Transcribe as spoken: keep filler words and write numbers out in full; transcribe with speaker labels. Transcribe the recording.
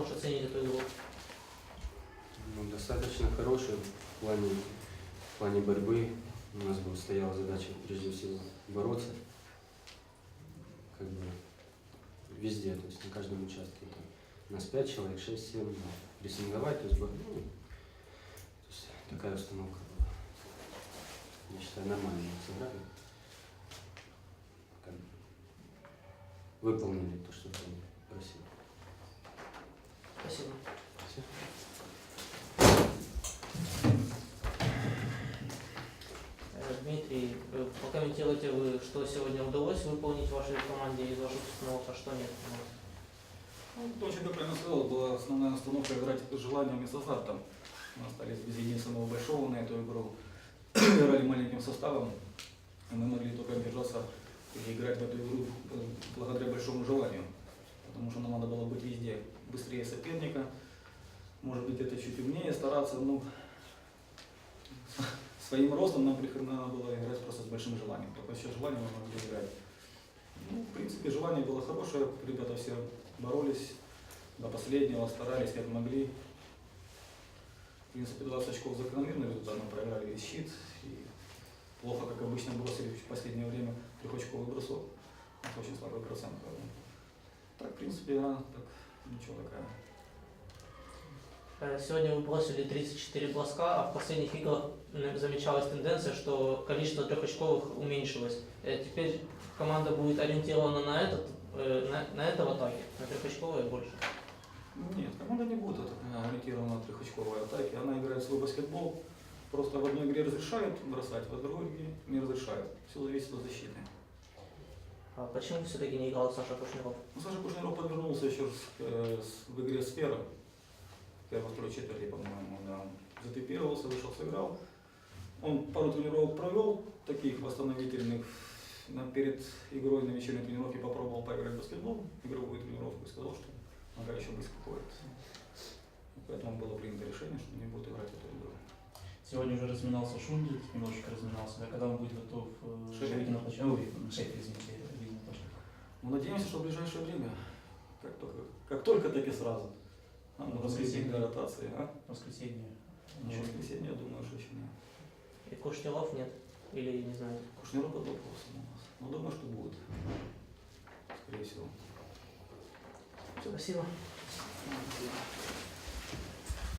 Speaker 1: можешь оценить эту игру?
Speaker 2: Ну, достаточно хороший в плане, в плане борьбы. У нас была, стояла задача прежде всего бороться. Как бы везде, то есть на каждом участке. Там, нас пять человек, шесть, семь, да, прессинговать, то есть, бо- ну, то есть такая установка была. Я считаю, нормально мы сыграли. Как бы выполнили то, что они просили.
Speaker 1: Спасибо.
Speaker 2: Все.
Speaker 1: Э, Дмитрий, э, прокомментируйте вы, что сегодня удалось выполнить вашей команде из ваших установок, а что нет?
Speaker 3: Ну, то, очень как правильно сказал, была основная установка играть с желанием и с азартом. Мы остались без единственного большого на эту игру. Играли маленьким составом, и мы могли только держаться и играть в эту игру благодаря большому желанию. Потому что нам надо было быть везде быстрее соперника, может быть это чуть умнее стараться, но своим ростом нам надо было играть просто с большим желанием. Только еще желание мы могли играть. Ну, в принципе, желание было хорошее, ребята все боролись до последнего, старались как могли. В принципе, двадцать очков закономерный результат, мы проиграли весь щит. И плохо, как обычно, бросили в последнее время трехочковый бросок. Это очень слабый процент. Так, в принципе, игра так, ничего такая.
Speaker 1: Э, Сегодня вы бросили тридцать четыре броска, а в последних играх м, замечалась тенденция, что количество трехочковых уменьшилось. Э, Теперь команда будет ориентирована на, этот, э, на, на это в атаке, на трехочковые больше.
Speaker 3: Нет, команда не будет ориентирована на трехочковой атаке. Она играет свой баскетбол. Просто в одной игре разрешают бросать, в другой игре не разрешают. Все зависит от защиты.
Speaker 1: А почему все-таки не играл Саша Кушниров?
Speaker 3: Ну, Саша Кушниров подвернулся еще с, э, с, в игре «Сфера». Первой-второй четверти, по-моему, да. Затипировался, вышел, сыграл. Он пару тренировок провел, таких восстановительных. На, перед игрой на вечерней тренировке попробовал поиграть в баскетбол, игровую тренировку, и сказал, что нога еще близко ходит. Поэтому было принято решение, что не будет играть эту игру.
Speaker 4: Сегодня уже разминался Шундит, немножечко разминался. А когда он будет готов э,
Speaker 3: Шеф.
Speaker 4: выйти на площадку? Ой, шеф, извините, выйти на площадку.
Speaker 3: Мы надеемся, что в ближайшее время, как только, как, только так и сразу. А, ну, воскресенье для ротации, а?
Speaker 4: Воскресенье.
Speaker 3: На воскресенье, я думаю, что еще нет.
Speaker 1: И Кушниров нет? Или не знаю?
Speaker 3: Кушниров под вопросом у нас. Но думаю, что будет. Скорее всего.
Speaker 1: Спасибо.
Speaker 3: Спасибо.